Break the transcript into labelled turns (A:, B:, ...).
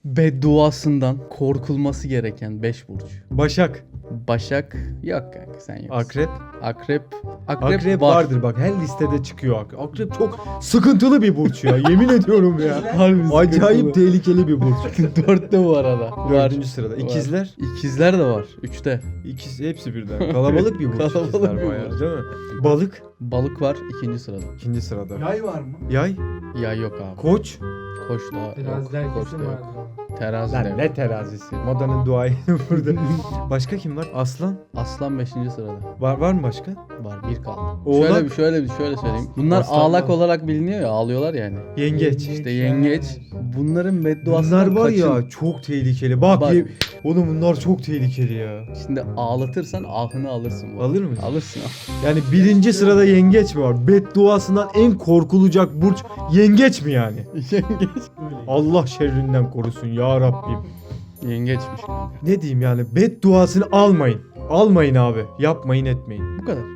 A: bedduasından korkulması gereken 5 burç.
B: Başak.
A: Başak yok kanka, sen yoksun.
B: Akrep.
A: Akrep
B: Akrep
A: var.
B: vardır bak, her listede çıkıyor akrep. Akrep çok sıkıntılı bir burç ya, yemin ediyorum ya.
A: Harbi
B: Acayip
A: sıkıntılı.
B: tehlikeli bir burç.
A: 4'te bu arada. Var.
B: 4. sırada.
A: Var.
B: İkizler.
A: İkizler de var. 3'te.
B: İkisi hepsi birden. Kalabalık bir burç
A: Kalabalık
B: ikizler
A: bir
B: bayağı
A: burç.
B: değil mi? Balık.
A: Balık var 2. sırada.
B: 2. sırada.
C: Yay var mı?
B: Yay.
A: Ya yok abi.
B: Koç.
A: Koç da yok.
C: Terazide
A: Koç
C: herkesin
A: da
C: var.
A: yok. Terazi de
B: Lan
A: yok.
B: ne terazisi. Modanın duayı burada. Başka kim var? Aslan.
A: Aslan 5. sırada.
B: Var mı başka?
A: Var, bir kaldı.
B: Oğlak.
A: Şöyle söyleyeyim. Bunlar
B: Aslan
A: ağlak
B: var.
A: olarak biliniyor ya, ağlıyorlar yani.
B: Yengeç.
A: İşte yengeç. Bunların bedduasından
B: Bunlar var
A: kaçın.
B: ya çok tehlikeli. Bak,
A: Bak.
B: oğlum bunlar çok tehlikeli ya.
A: Şimdi ağlatırsan ahını alırsın. bu.
B: Alır mısın?
A: Alırsın.
B: Yani 1. sırada yengeç mi var? Bedduasından en korkulacak burç yengeç mi yani?
A: Yengeç.
B: Allah şerrinden korusun ya Rabbim.
A: Yengeçmiş kanka.
B: Ne diyeyim yani, bedduasını almayın. Almayın abi. Yapmayın etmeyin.
A: Bu kadar.